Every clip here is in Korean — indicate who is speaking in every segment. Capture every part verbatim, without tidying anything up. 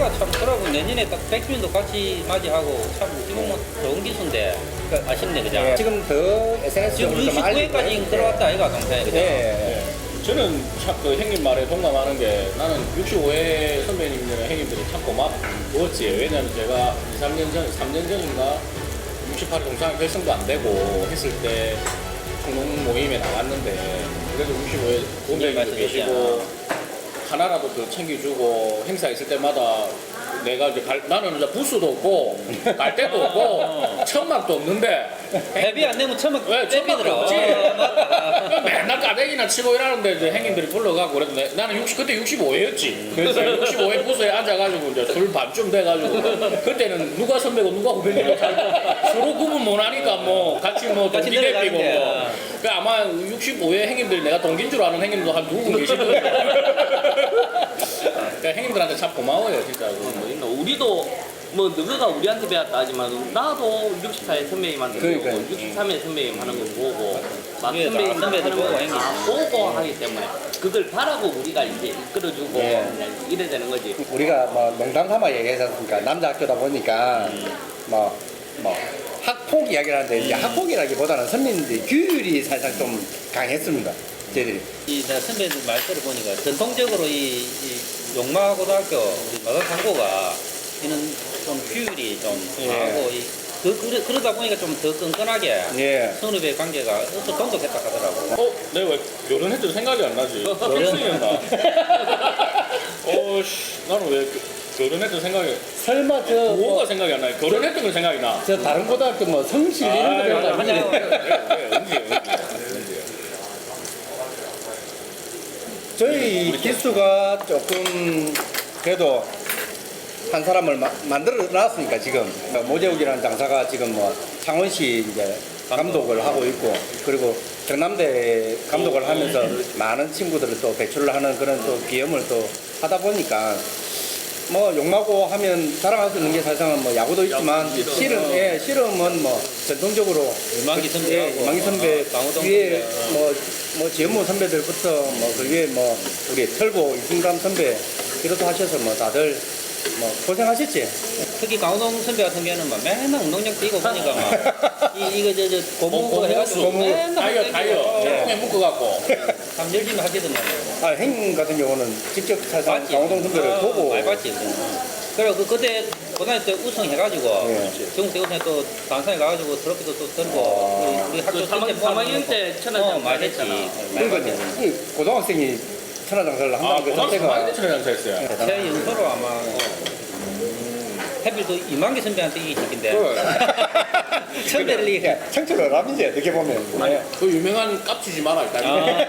Speaker 1: 내가 참 그러고 내년에 딱 백주년도 같이 맞이하고 참 어떻게 보면 좋은 기수인데 그 아쉽네 그죠?
Speaker 2: 예, 지금 더 에스엔에스적으로
Speaker 1: 지금
Speaker 2: 좀 알리고
Speaker 1: 육십구 회까지 들어왔다 아이가 동생이 그죠?
Speaker 2: 예.
Speaker 3: 예. 저는 참 그 형님 말에 동감하는 게 나는 육십오 회 선배님들이나 형님들이 참 고맙웠지. 왜냐면 제가 이, 삼 년 전, 삼 년 전인가 육십팔 회 동창회 결성도 안 되고 했을 때 공동 모임에 나갔는데 그래도 육십오 회 본배님도 계시고 하나라도 더 챙겨주고 행사 있을 때마다 내가 이제 갈, 나는 이제 부스도 없고 갈 데도 없고 천막도 없는데
Speaker 1: 회비 안 내면 천막
Speaker 3: 왜 천막도
Speaker 1: 떼비더라.
Speaker 3: 없지?
Speaker 1: 어, 맞다.
Speaker 3: 맨날 까대기나 치고 이러는데 이제 형님들이 불러가고 그래도 내, 나는 육십 그때 육십오 회였지. 그래서 육십오 회 부스에 앉아가지고 이제 술 반쯤 돼가지고 그때는 누가 선배고 누가 후배인지 서로 구분 못하니까 뭐 같이 뭐
Speaker 1: 같이
Speaker 3: 동기 대피고
Speaker 1: 내려가는
Speaker 3: 뭐. 그 아마 육십오 회 형님들이 내가 동기인 줄 아는 형님도 한 두 분 계시거든요. 그러니까 형님들한테 참 고마워요 진짜.
Speaker 4: 뭐 있나? 우리도 뭐 누구가 우리한테 배웠다 하지만 나도 육십사 회 선배님한테 배우고
Speaker 2: 그러니까요.
Speaker 4: 육십삼 회 선배님 하는 거 보고 막
Speaker 1: 예,
Speaker 4: 선배님
Speaker 1: 선배들
Speaker 4: 하는
Speaker 1: 보고
Speaker 4: 거
Speaker 1: 행위.
Speaker 4: 다 보고 하기 때문에 그들 바라고 우리가 이제 이끌어주고
Speaker 2: 예.
Speaker 4: 그냥 이래 되는 거지.
Speaker 2: 우리가 뭐 농담 삼아 얘기하지 않습니까? 남자 학교다 보니까 뭐, 뭐 학폭 이야기를 하는데 이제 학폭이라기보다는 선배님들 규율이 살짝 좀 강했습니다. 저희들이.
Speaker 1: 이 내가 선배들 말 들어보니까 전통적으로 이, 이 용마고등학교 우리 마산상고가 이는 좀 규율이 좀
Speaker 2: 예.
Speaker 1: 강하고 이, 그, 그러, 그러다 보니까 좀 더 끈끈하게
Speaker 2: 예.
Speaker 1: 선후배 관계가 어서 돈독했다 하더라고.
Speaker 3: 어? 내가 왜 결혼했던 생각이 안 나지? 결혼이었나? 어씨 나는 왜 결혼했던 생각이
Speaker 2: 설마 저,
Speaker 3: 뭐가
Speaker 2: 뭐,
Speaker 3: 생각이 안 나요? 결혼했던 건 생각이 나.
Speaker 2: 저 다른 고등학교 뭐 성실 이런 거 배우다
Speaker 3: 아니,
Speaker 2: 보니
Speaker 3: 왜, 언제, 언제, 언제.
Speaker 2: 저희 기수가 조금 그래도 한 사람을 마, 만들어 놨으니까 지금 모재욱이라는 장사가 지금 뭐 창원시 이제 감독을 하고 있고 그리고 경남대 감독을 하면서 많은 친구들을 또 배출을 하는 그런 또 기염을 또 하다 보니까 뭐 욕마고 하면 자랑할 수 있는 게 사실은 뭐 야구도 있지만
Speaker 4: 야구,
Speaker 2: 실은 예 실험은 뭐 전통적으로
Speaker 1: 유망기
Speaker 2: 그-
Speaker 1: 선배하고
Speaker 2: 예, 유망기 선배
Speaker 1: 어, 강호동
Speaker 2: 위에
Speaker 1: 선배.
Speaker 2: 뭐 뭐 지연무 선배들부터 뭐 그 위에 뭐 우리 털보 이승감 선배 이렇게 하셔서 뭐 다들 뭐 고생하셨지.
Speaker 1: 특히 강호동 선배 같은 경우는 막 맨날 운동장 뛰고 보니까 막 이, 이거 저, 저 고무 그거 해가지고
Speaker 2: 고무.
Speaker 1: 맨날
Speaker 3: 다이어 다이어 통에 묶어갖고
Speaker 1: 참 열심히 하시더만.
Speaker 2: 아, 행님 같은 경우는 직접 사실
Speaker 1: 맞지?
Speaker 2: 강호동 선배를
Speaker 1: 어,
Speaker 2: 보고
Speaker 1: 많이 봤지. 그래 그 그때 고등학교 때 우승해가지고
Speaker 2: 예.
Speaker 1: 전국대 우승에 또 단상에 가가지고 트로피도 또 들고
Speaker 2: 아.
Speaker 1: 우리, 우리 학교
Speaker 4: 그 삼
Speaker 1: 전체
Speaker 4: 학년
Speaker 1: 모아놓고.
Speaker 4: 때
Speaker 1: 어,
Speaker 4: 천하장
Speaker 1: 많이 했지.
Speaker 4: 했잖아.
Speaker 1: 많이
Speaker 2: 그러니까
Speaker 1: 했지.
Speaker 2: 이 고등학생이 천하장사를
Speaker 3: 아
Speaker 2: 한다는 그
Speaker 3: 고등학교
Speaker 2: 자체가
Speaker 3: 많이 천하장사했어요.
Speaker 2: 대단하다.
Speaker 1: 제 연소로 아마 해필 또 이만기 선배한테 이기 시킨데 선배를 이기.
Speaker 2: 예, 청춘을 라민지 어떻게 보면 예.
Speaker 3: 그 유명한 깝치지 마라 일단.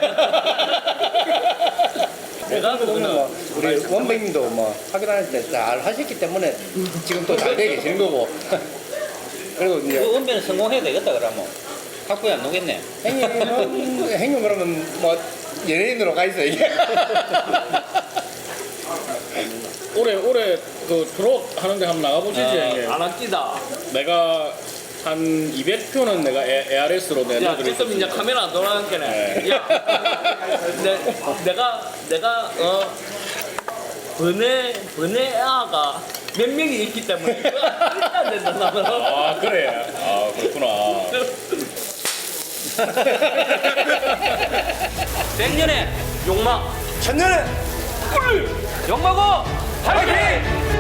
Speaker 4: 내가
Speaker 2: 그거는
Speaker 4: 보면
Speaker 2: 뭐 우리 원백님도 뭐 확인할 때 잘 하셨기 때문에 지금 또 잘 되게 계시는 거고 그리고 이제
Speaker 1: 그 은배는 성공해야 되겠다 그러면 학부에 안 오겠네.
Speaker 2: 행님은 행님 그러면 뭐 연예인으로 가 있어 이게
Speaker 3: 올해 올해 그 트롯 하는데 한번 나가보시지.
Speaker 1: 아,
Speaker 3: 형님.
Speaker 4: 안 아끼다.
Speaker 3: 내가 한 이백 표는 내가 에이알에스로
Speaker 4: 야,
Speaker 3: 내려드릴
Speaker 4: 지금 이제 카메라 안 돌아가겠네.
Speaker 3: 네.
Speaker 4: 야, 내, 내가 내가 어 번외 번외아가 몇 명이 있기 때문에 그거 안 된다 나는.
Speaker 3: 아 그래. 아 그렇구나.
Speaker 4: 백년의 욕망
Speaker 2: 천년에
Speaker 4: 꿀 욕망고 화이팅!